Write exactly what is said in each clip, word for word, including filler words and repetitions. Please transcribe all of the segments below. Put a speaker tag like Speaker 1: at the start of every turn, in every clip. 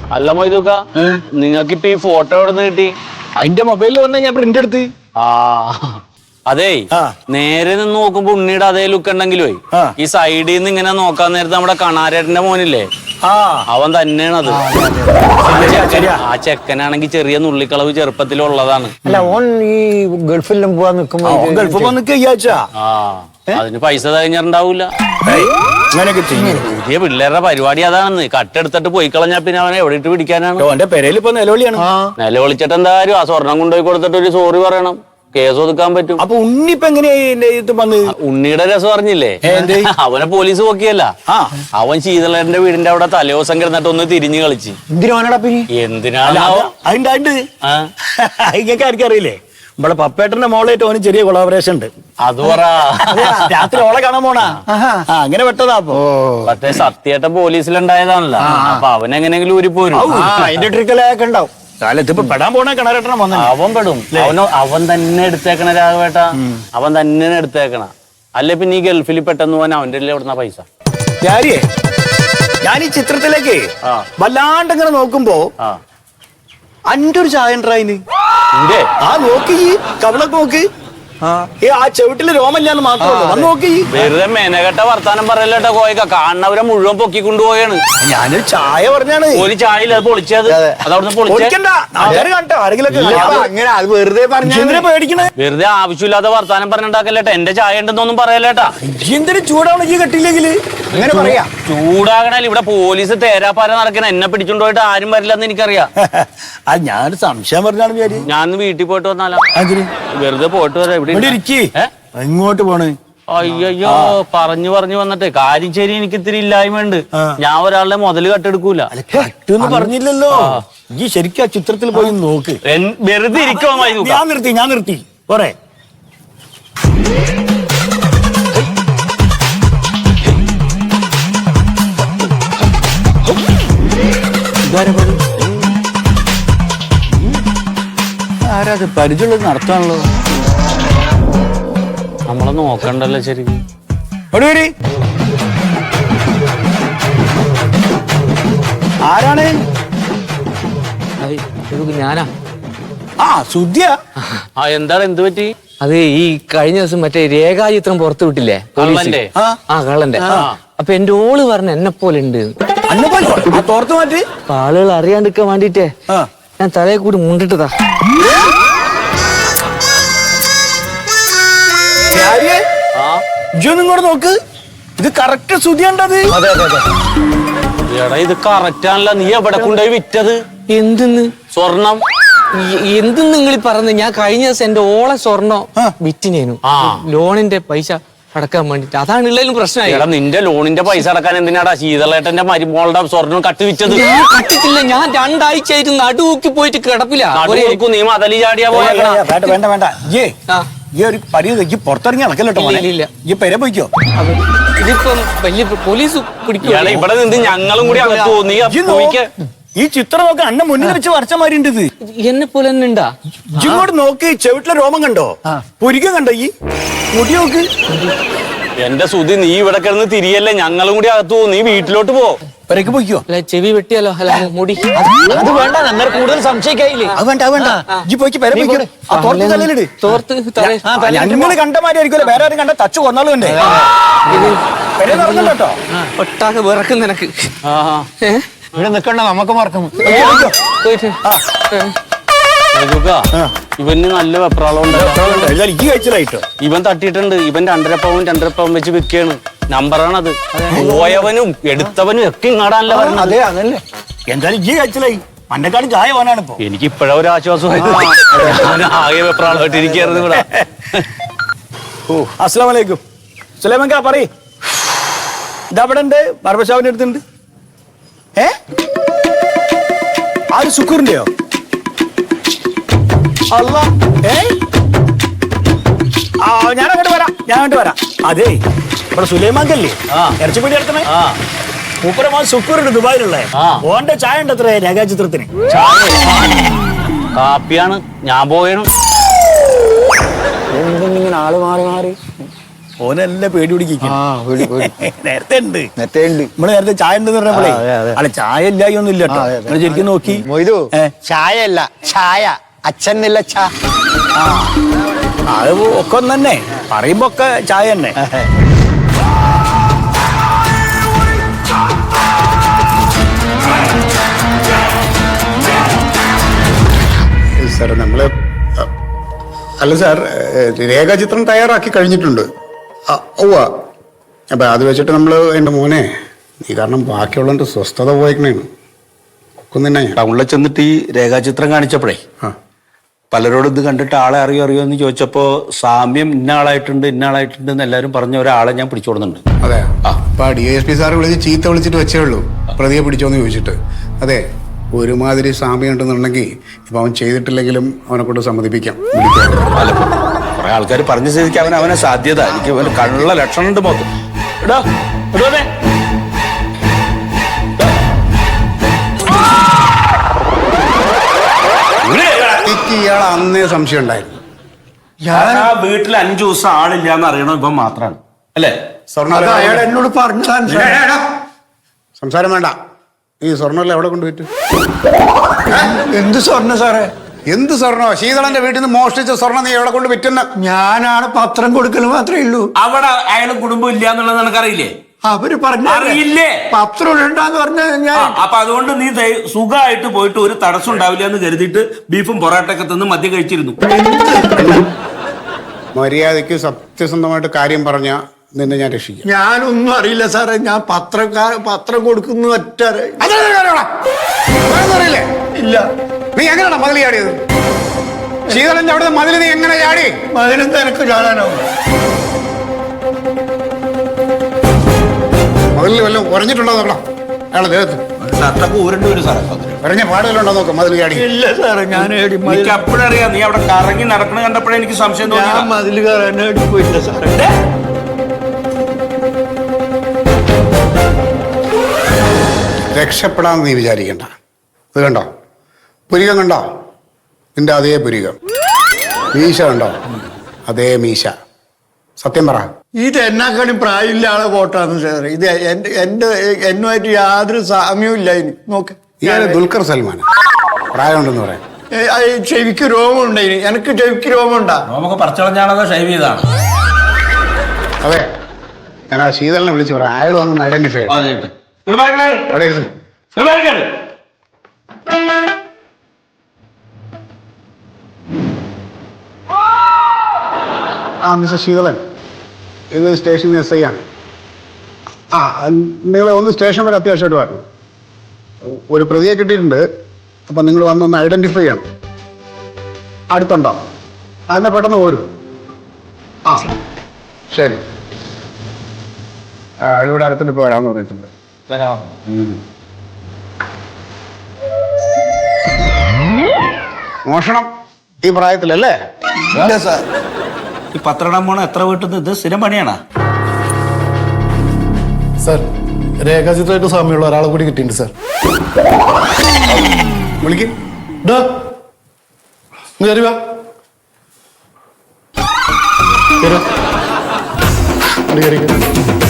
Speaker 1: അല്ല മൊയ്തുക്ക, നിങ്ങൾക്ക് ഇപ്പൊ ഈ ഫോട്ടോ എവിടെ നിന്ന് കിട്ടി?
Speaker 2: അതിന്റെ മൊബൈലിൽ വന്ന ഞാൻ പ്രിന്റ് എടുത്ത്.
Speaker 1: ആ അതേ, നേരെ നിന്ന് നോക്കുമ്പോ ഉണ്ണിയുടെ അതേ ലുക്ക് ഉണ്ടെങ്കിലോ ഈ സൈഡിൽ നിന്ന് ഇങ്ങനെ നോക്കാൻ നേരത്തെ നമ്മുടെ കണാരേട്ടന്റെ മോനില്ലേ, അവൻ തന്നെയാണത്. ആ ചെക്കനാണെങ്കിൽ ചെറിയ നുള്ളിക്കളവ് ചെറുപ്പത്തിലുള്ളതാണ്.
Speaker 2: അല്ല, ഓൻ ഈ ഗൾഫിലും പോവാൻ നിൽക്കുമ്പോ ഗൾഫിൽ
Speaker 1: ആ അതിന് പൈസ കഴിഞ്ഞിട്ടുണ്ടാവൂല. പുതിയ പിള്ളേരുടെ പരിപാടി അതാണെന്ന്. കട്ടെടുത്തിട്ട് പോയി കളഞ്ഞാ പിന്നെ അവനെ എവിടെ ഇട്ട് പിടിക്കാനാണ്?
Speaker 2: ഓന്റെ പെരയിൽ ഇപ്പൊ നിലവിളിയാണ്.
Speaker 1: നിലവിളിച്ചിട്ട് എന്തായാലും ആ സ്വർണം കൊണ്ടുപോയി കൊടുത്തിട്ട് ഒരു സോറി പറയണം, കേസ് ഒതുക്കാൻ പറ്റും.
Speaker 2: അപ്പൊ ഉണ്ണി ഇപ്പൊ എങ്ങനെയാ?
Speaker 1: ഉണ്ണിയുടെ രസം അറിഞ്ഞില്ലേ? അവനെ പോലീസ് നോക്കിയല്ല, അവൻ ശീതളന്റെ വീടിന്റെ അവിടെ തലേദിവസം കിടന്നിട്ട് ഒന്ന് തിരിഞ്ഞു കളിച്ച്. എന്തിനാണ്
Speaker 2: അറിയില്ലേ? നമ്മളെ പപ്പേട്ടന്റെ മോളായിട്ട് ഓന് ചെറിയ കൊളാബറേഷൻ ഉണ്ട്.
Speaker 1: അത് പറ.
Speaker 2: രാത്രി ഓളെ കാണാൻ പോണാ അങ്ങനെ പെട്ടതാ. അപ്പൊ
Speaker 1: മറ്റേ സത്യേട്ടൻ പോലീസിലുണ്ടായതാണല്ലോ, അപ്പൊ അവൻ എങ്ങനെങ്കിലും ഊരി പോരും.
Speaker 2: അതിന്റെ ട്രിക്കലൊക്കെ ഉണ്ടാവും. കാലത്ത് ഇപ്പൊ പെടാൻ പോണ കിണറേട്ടനെ വന്ന
Speaker 1: അവൻ പെടും. അവന് അവൻ തന്നെ എടുത്തേക്കണ രാഘവേട്ട, അവൻ തന്നെ എടുത്തേക്കണ. അല്ലെ പിന്നെ ഈ ഗൾഫിൽ പെട്ടെന്ന് പോകാൻ അവന്റെ എവിടുന്ന പൈസ?
Speaker 2: ഞാൻ ഈ ചിത്രത്തിലേക്ക് വല്ലാണ്ട് ഇങ്ങനെ നോക്കുമ്പോ അന്റെ ഒരു ചായ ഉണ്ടായിന്. ആ നോക്കി കവളൊക്കെ നോക്ക്, ആ ചെവിട്ടില് രോമല്ലാന്ന് മാത്രമല്ല നോക്കി.
Speaker 1: വെറുതെ മെനകെട്ട വർത്താനം പറയല്ലേട്ടോ കോയക്ക, കാണുന്നവരെ മുഴുവൻ പൊക്കി കൊണ്ടുപോയാണ്.
Speaker 2: ഞാനൊരു ചായ പറഞ്ഞാണ്.
Speaker 1: ഒരു ചായയിൽ അത് പൊളിച്ചത്, അതവിടുന്ന്
Speaker 2: പേടിക്കണേ.
Speaker 1: വെറുതെ ആവശ്യമില്ലാത്ത വർത്താനം പറഞ്ഞിട്ടാക്കല്ലേട്ടാ. എന്റെ ചായ ഉണ്ടെന്നൊന്നും പറയല്ലേട്ടാ.
Speaker 2: എന്തിനും ചൂടാവണ ഈ കെട്ടിയില്ലെങ്കില് അങ്ങനെ പറയാ.
Speaker 1: ചൂടാകണ ഇവിടെ പോലീസ് തേരാപ്പാര നടക്കണ, എന്നെ പിടിച്ചോണ്ട് പോയിട്ട് ആരും വരില്ലെന്ന് എനിക്കറിയാം.
Speaker 2: അത് ഞാനൊരു സംശയം പറഞ്ഞാണ്.
Speaker 1: ഞാൻ വീട്ടിൽ പോയിട്ട് വന്നാലോ? വെറുതെ പോയിട്ട് വരാം.
Speaker 2: ഇങ്ങോട്ട് പോണ്?
Speaker 1: അയ്യോ, പറഞ്ഞു പറഞ്ഞു വന്നിട്ട് കാര്യം ശരി. എനിക്ക് ഇത്തിരി ഇല്ലായ്മയുണ്ട്. ഞാൻ ഒരാളുടെ മുതല് കട്ടെടുക്കൂല.
Speaker 2: പറഞ്ഞില്ലല്ലോ. ഈ ശരിക്കും ആ ചിത്രത്തിൽ പോയി നോക്ക്.
Speaker 1: വെറുതെ ഇരിക്കുവാ.
Speaker 2: ഞാൻ നിർത്തി ഞാൻ നിർത്തി പോരെ. ആരാത് പരിചയമുള്ളത് നടത്താണല്ലോ.
Speaker 1: നമ്മളെ നോക്കണ്ടല്ലോ ശരിക്കും.
Speaker 2: ആരാണ്?
Speaker 3: ഞാനാ.
Speaker 2: ആ സുദ്യ.
Speaker 1: ആ എന്താണ്, എന്ത് പറ്റി?
Speaker 3: അത് ഈ കഴിഞ്ഞ ദിവസം മറ്റേ രേഖാചിത്രം പുറത്തു വിട്ടില്ലേ
Speaker 1: കള്ളന്റെ?
Speaker 3: ആ കള്ളന്റെ. അപ്പൊ എന്റെ ഓള് പറഞ്ഞ എന്നെ പോലെ ഉണ്ട്.
Speaker 2: തോർത്ത് മാറ്റി
Speaker 3: ആളുകൾ അറിയാണ്ടിരിക്കാൻ വേണ്ടിട്ടേ ഞാൻ തലയെ കൂടി മുണ്ടിട്ടതാ.
Speaker 2: ഇങ്ങോട്ട് നോക്ക്, ഇത് കറക്റ്റ് സുതിയുണ്ടത്.
Speaker 1: എടാ ഇത് കറക്റ്റ് ആണല്ലോ. നീ എവിടെ കൊണ്ടുപോയി വിറ്റത്?
Speaker 3: എന്തെന്ന്?
Speaker 1: സ്വർണം.
Speaker 3: എന്തെന്ന് നിങ്ങൾ പറഞ്ഞത്? ഞാൻ കഴിഞ്ഞ ദിവസം എന്റെ ഓളെ സ്വർണം വിറ്റിനേനു, ലോണിന്റെ പൈസ അടക്കാൻ വേണ്ടിട്ട്. അതാണ് ഉള്ളതിലും പ്രശ്നമായി.
Speaker 1: എടാ നിന്റെ ലോണിന്റെ പൈസ അടക്കാൻ എന്തിനാടാ ശീതളേട്ടന്റെ മരുമോളുടെ സ്വർണം കട്ട് വിറ്റത്?
Speaker 3: കട്ടിട്ടില്ല, ഞാൻ രണ്ടാഴ്ച ആയിട്ട് നടുവൂക്കി പോയിട്ട് കിടപ്പില്ല.
Speaker 1: നീ മതലി ചാടിയാ പോയ.
Speaker 2: വേണ്ട വേണ്ട വേണ്ട ഈ ഒരു പരിധി പുറത്തിറങ്ങി നടക്കല്ലോ. ഈ പെര പോയിക്കോ.
Speaker 3: ഇതിപ്പം വലിയ പോലീസ് പിടിക്കും.
Speaker 1: ഇവിടെ നിന്ന് ഞങ്ങളും കൂടി അകത്ത് പോകും. നീ
Speaker 2: ഈ ചിത്രം നോക്ക അന്നെ മുന്നിൽ വെച്ച് വരച്ച മാതിരി ഉണ്ട്. ഇത്
Speaker 3: എന്നെ പോലെ തന്നെ ഉണ്ടാ?
Speaker 2: ഇങ്ങോട്ട് നോക്ക്, ചെവിട്ടിലെ രോമം കണ്ടോ? പുരികം കണ്ടോ? ഈ മുടി നോക്ക്.
Speaker 1: എന്റെ സുധി, നീ ഇവിടെ കിടന്ന് തിരിയല്ലേ, ഞങ്ങളും കൂടി അകത്ത് പോകും. നീ വീട്ടിലോട്ട് പോ.
Speaker 2: പെരക്ക് പോയിക്കോ.
Speaker 3: അല്ല ചെവി വെട്ടിയാലോ? അല്ല മുടി
Speaker 2: അത് വേണ്ട, അങ്ങനെ കൂടുതൽ സംശയിക്കായില്ലേ. അത് വേണ്ട അത് വേണ്ട ഇജ്ജ് പോയിക്ക് പെര പോയിക്കോ. ആ തോർത്ത് തലയിലിട്.
Speaker 3: തോർത്ത്
Speaker 2: ഞങ്ങള് കണ്ട മാതിരി ആയിരിക്കുമല്ലോ, വേറെ ആരും കണ്ട തച്ചു കൊന്നാലും ഉണ്ട്. പെര നടന്നല്ലോ കേട്ടോ.
Speaker 3: ഒട്ടാകെ വിറക്കും നിനക്ക്.
Speaker 2: ഇവിടെ നിക്കണ്ട, നമുക്ക് മറക്കുന്നു.
Speaker 1: ഇവന് നല്ല വെപ്രാളം
Speaker 2: ഈ കഴിച്ചിലായിട്ടോ.
Speaker 1: ഇവൻ തട്ടിയിട്ടുണ്ട്. ഇവൻ രണ്ടര പവൻ രണ്ടര പവൻ വെച്ച് വിൽക്കാണ്. നമ്പറാണത്. പോയവനും എടുത്തവനും ഒക്കെ ഇങ്ങാടാനല്ല പറഞ്ഞത്.
Speaker 2: അതെ അതല്ലേ. എന്തായാലും ഈ കഴിച്ചിലായി. മണ്ടക്കാട് ചായ പോനാണ് ഇപ്പൊ.
Speaker 1: എനിക്ക് ഇപ്പഴാ ഒരു ആശ്വാസമായി. ആകെ വെപ്രാളമായിട്ടിരിക്കായിരുന്നു ഇവിടെ.
Speaker 2: ഓ അസ്സലാമു അലൈക്കും. സുലൈമാൻ പറയ്, ഇതവിടെ ഉണ്ട്, ബർബർഷാപ്പിന്റെ അടുത്തുണ്ട്. ഏ ആര്? സുക്കൂറിന്റെയോ? അല്ല ഏ ആ ഞാൻ അങ്ങോട്ട് വരാം ഞാൻ അങ്ങോട്ട് വരാം. അതെ ഇവിടെ സുലൈമാൻകല്ലേ ഇറച്ചിപ്പീടി എടുക്കണേ. മൂപ്പര മോൻ സുക്കൂറുണ്ട് ദുബായിലുള്ള. ഓന്റെ ചായ ഉണ്ട് എത്ര രേഖാചിത്രത്തിന്?
Speaker 1: കാപ്പിയാണ്. ഞാൻ പോയണം.
Speaker 2: ഇങ്ങനെ ആള് മാറി മാറി ഓനെല്ലാം പേടി പിടിക്കും
Speaker 3: ആ പേടി പേടി
Speaker 2: നേരത്തെ ഉണ്ട്
Speaker 3: നേരത്തെ ഉണ്ട്
Speaker 2: നമ്മള് നേരത്തെ ചായ ഉണ്ട് പറഞ്ഞപ്പോഴേ
Speaker 3: ആ, അതെ, അതെ.
Speaker 2: അല്ല ചായ ഇല്ലായി ഒന്നും ഇല്ല കേട്ടോ നിങ്ങൾ ശരിക്കും നോക്കി
Speaker 3: മൊയ്തു
Speaker 2: ഏ?
Speaker 3: ചായ അല്ല ചായ അച്ഛനില്ല ചാ
Speaker 2: ആ അത് ഒക്കെ ഒന്ന് തന്നെ പറയുമ്പോ ഒക്കെ ചായ തന്നെ
Speaker 4: സാർ നമ്മള് അല്ല സാർ രേഖാചിത്രം തയ്യാറാക്കി കഴിഞ്ഞിട്ടുണ്ട് ഉവ്വ അപ്പൊ അത് വെച്ചിട്ട് നമ്മള് എൻ്റെ മോനെ നീ കാരണം ബാക്കിയുള്ളവൻ്റെ സ്വസ്ഥത പോയേക്കണേന്ന് ഒക്കുന്നിന്നെ
Speaker 5: ടൗണിൽ ചെന്നിട്ട് ഈ രേഖാചിത്രം കാണിച്ചപ്പോഴേ
Speaker 4: ആ
Speaker 5: പലരോടും ഇത് കണ്ടിട്ട് ആളെ അറിയോ അറിയോ എന്ന് ചോദിച്ചപ്പോ സാമ്യം ഇന്ന ആളായിട്ടുണ്ട് ഇന്ന ആളായിട്ടുണ്ട് എന്ന് എല്ലാവരും പറഞ്ഞ ഒരാളെ ഞാൻ പിടിച്ചോടുന്നുണ്ട്.
Speaker 4: അതെ അപ്പൊ ഡി എസ് പി സാറ് വിളിച്ച് ചീത്ത വിളിച്ചിട്ട് വെച്ചേ ഉള്ളൂ പ്രതിയെ പിടിച്ചോന്ന് ചോദിച്ചിട്ട്. അതെ ഒരുമാതിരി സാമ്യം ഉണ്ടെന്നുണ്ടെങ്കിൽ ഇപ്പൊ അവൻ ചെയ്തിട്ടില്ലെങ്കിലും അവനെ കൊണ്ട് സമ്മതിപ്പിക്കാം.
Speaker 5: അല്ല കുറെ ആൾക്കാർ പറഞ്ഞ സ്ഥിതിക്ക് അവൻ അവനെ സാധ്യത എനിക്ക് അവന് കണ്ണുള്ള ലക്ഷണം ഉണ്ട് മൊത്തം.
Speaker 1: എടാ എടോനെ
Speaker 4: എനിക്ക് ഇയാൾ അന്നേ സംശയം ഉണ്ടായിരുന്നു.
Speaker 5: ആ വീട്ടിൽ അഞ്ചു ദിവസം ആളില്ല എന്ന് അറിയണം ഇപ്പം മാത്രമാണ് അല്ലേ?
Speaker 4: അയാൾ
Speaker 2: എന്നോട് പറഞ്ഞതാണ്
Speaker 4: സംസാരം വേണ്ട. ഈ സ്വർണ്ണം എവിടെ കൊണ്ടുപോയിട്ട്?
Speaker 2: എന്ത് സ്വർണ്ണ സാറേ?
Speaker 4: എന്ത് സ്വർണ്ണോ? ശീതളന്റെ വീട്ടിൽ നിന്ന് മോഷ്ടിച്ച സ്വർണ്ണം നീ എവിടെ കൊണ്ട് വിറ്റെന്ന്?
Speaker 2: ഞാനാണ് പത്രം കൊടുക്കൽ മാത്രമേ ഉള്ളൂ.
Speaker 1: അവിടെ അയാൾ കുടുംബം ഇല്ല എന്നുള്ളത് നിനക്കറിയില്ലേ?
Speaker 2: അവര് പറഞ്ഞു
Speaker 1: അറിയില്ലേ?
Speaker 2: പത്രം ഇടണ്ടാന്ന് പറഞ്ഞ ഞാൻ
Speaker 1: അപ്പൊ അതുകൊണ്ട് നീ ദയ- സുഖമായിട്ട് പോയിട്ട് ഒരു തടസ്സം ഉണ്ടാവില്ല എന്ന് കരുതിയിട്ട് ബീഫും പൊറോട്ടയൊക്കെ തിന്ന് മദ്യം കഴിച്ചിരുന്നു.
Speaker 4: മര്യാദയ്ക്ക് സത്യസന്ധമായിട്ട് കാര്യം പറഞ്ഞ നിന്നെ ഞാൻ രക്ഷിക്കാം.
Speaker 2: ഞാനൊന്നും അറിയില്ല സാറേ. ഞാൻ പത്രക്കാർ പത്രം കൊടുക്കുന്ന ഒറ്റ
Speaker 4: അറിയില്ലേ?
Speaker 2: ഇല്ല.
Speaker 4: നീ എങ്ങനെയാണോ മതിൽ ചാടിയത്? ശീതളന്റെ അവിടെ മതിൽ നീ എങ്ങനെ ചാടി?
Speaker 2: മകനെന്താ എനക്ക് ചാടാനാവും?
Speaker 4: മതിലിൽ വല്ലതും ഉറഞ്ഞിട്ടുണ്ടോ നോക്കണം അയാളെ ദേഹത്ത്.
Speaker 5: ഷർട്ടൊക്കെ ഊരേണ്ടി വരും സാറേ.
Speaker 4: ഉറഞ്ഞ പാടുകളുണ്ടോ നോക്കാം മതിൽ ചാടി.
Speaker 2: ഇല്ല സാറേ, ഞാൻ
Speaker 1: എനിക്ക് അപ്പോഴറിയാം നീ അവിടെ കറങ്ങി നടക്കണ കണ്ടപ്പോഴേ എനിക്ക് സംശയം
Speaker 2: ഞാൻ
Speaker 1: തോന്നി.
Speaker 2: മതിൽ കയറാൻ പോയില്ല സാറേ.
Speaker 4: രക്ഷപ്പെടാന്ന് നീ വിചാരിക്കണ്ട. ഇത് കണ്ടോ പുരികം കണ്ടോ? നിന്റെ അതേ പുരികം. മീശ കണ്ടോ? അതേ മീശ. സത്യം പറ.
Speaker 2: ഇത് എന്നെക്കാളും പ്രായമില്ല ആളെ കോട്ടാന്ന് സാറേ. ഇത് എന്റെ എന്റെ എന്നുമായിട്ട് യാതൊരു സാമ്യവും ഇല്ല. ഇനി നോക്ക്,
Speaker 4: ഇയാള് ദുൽഖർ സൽമാൻ പ്രായമുണ്ടെന്ന് പറയാം.
Speaker 2: ഏ, ആ, ചെവിക്ക് രോമം ഉണ്ടായി. എനിക്ക് ചെവിക്ക് രോമം ഉണ്ടാ.
Speaker 1: നമുക്ക് പറിച്ചളഞ്ഞാണോ ഷൈവ് ചെയ്താണ്?
Speaker 4: അതെ ഞാൻ ആ ശീതളിനെ വിളിച്ചു പറയാം. അയാൾ വന്ന് ഐഡന്റിഫൈ ആ മിസ്റ്റർ ശീതളൻ, ഇത് സ്റ്റേഷൻ എസ് ഐ ആണ്. ആ നിങ്ങളെ ഒന്ന് സ്റ്റേഷൻ വരെ അത്യാവശ്യമായിട്ട് വരണം. ഒരു പ്രതിയെ കിട്ടിയിട്ടുണ്ട്. അപ്പം നിങ്ങൾ വന്നൊന്ന് ഐഡന്റിഫൈ ചെയ്യണം. അടുത്തുണ്ടോ? അതിനെ പെട്ടെന്ന് പോരും. ആ ശരി. ആ ഇവിടെ അടുത്തിട്ട് ഇപ്പോൾ വരാമെന്ന് പറഞ്ഞിട്ടുണ്ട്. മോഷണം ഈ പ്രായത്തിലല്ലേ?
Speaker 2: ഇല്ല സാർ.
Speaker 1: ഈ പത്രം പോണ എത്ര വീട്ടിൽ നിന്ന് ഇത് സ്ഥിരം പണിയാണോ?
Speaker 6: സാർ രേഖാചിത്രമായിട്ട് സാമ്യമുള്ള ഒരാളെ കൂടി കിട്ടിയിട്ടുണ്ട് സാർ.
Speaker 4: വിളിക്കും.
Speaker 6: കയറി വാ. കേറ്. കേറി, കേറി, കേറി.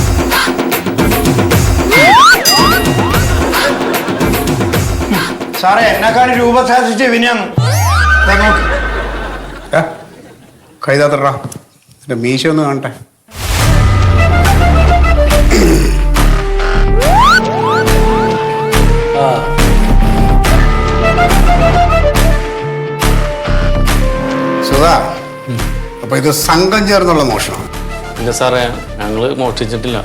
Speaker 2: സാറേ എന്നെക്കാളും രൂപ സാധിച്ച ഇവനാണ്.
Speaker 4: കൈതാത്തടാ എന്റെ മീശ ഒന്ന് കാണട്ടെ. സുധാ, അപ്പൊ ഇത് സംഘം ചേർന്നുള്ള മോഷണം?
Speaker 1: ഇല്ല സാറേ, ഞങ്ങള് മോഷ്ടിച്ചിട്ടില്ല.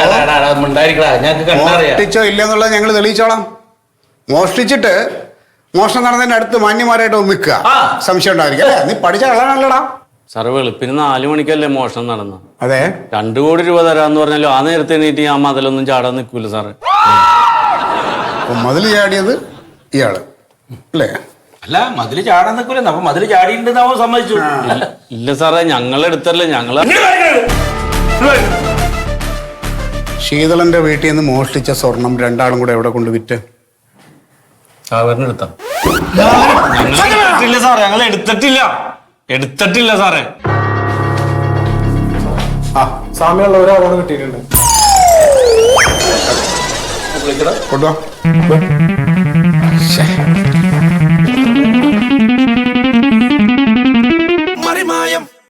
Speaker 4: മോഷ്ടിച്ചോ ഇല്ലെന്നുള്ളത് ഞങ്ങൾ തെളിയിച്ചോളാം. മോഷ്ടിച്ചിട്ട് മോഷണം നടന്നതിന്റെ അടുത്ത് മാന്യമാരായിട്ട് നിൽക്കുക, സംശയം ഉണ്ടായിരിക്കും അല്ലേ? നീ പഠിച്ച കളാണല്ലടാ.
Speaker 1: സാറ് വെളുപ്പിന് നാലു മണിക്കല്ലേ മോഷണം നടന്ന?
Speaker 4: അതെ.
Speaker 1: രണ്ടു കോടി രൂപ തരാന്ന് പറഞ്ഞാലോ ആ നേരത്തെ എണീറ്റ് ഞാൻ മതിലൊന്നും ചാടാൻ നിൽക്കൂല സാറേ.
Speaker 4: അപ്പൊ മതിൽ ചാടിയത് ഇയാള് അല്ലേ?
Speaker 1: അല്ല, മതില് ചാടാൻ നിൽക്കൂല. അപ്പൊ മതില് ചാടിയിട്ടുണ്ടെന്ന് അവൻ സമ്മതിച്ചു. ഇല്ല സാറേ, ഞങ്ങളെടുത്തല്ലേ. ഞങ്ങള്
Speaker 4: ശീതളന്റെ വീട്ടിൽ നിന്ന് മോഷ്ടിച്ച സ്വർണം രണ്ടാളും കൂടെ എവിടെ കൊണ്ട് വിറ്റ്?
Speaker 1: സാറിനെടുത്ത സാറേ, ഞങ്ങൾ എടുത്തിട്ടില്ല എടുത്തിട്ടില്ല സാറേ.
Speaker 4: ആ
Speaker 6: സാമ്യമുള്ള ഒരാളോട് കിട്ടിയിട്ടുണ്ട്.
Speaker 4: കൊണ്ടുവാ.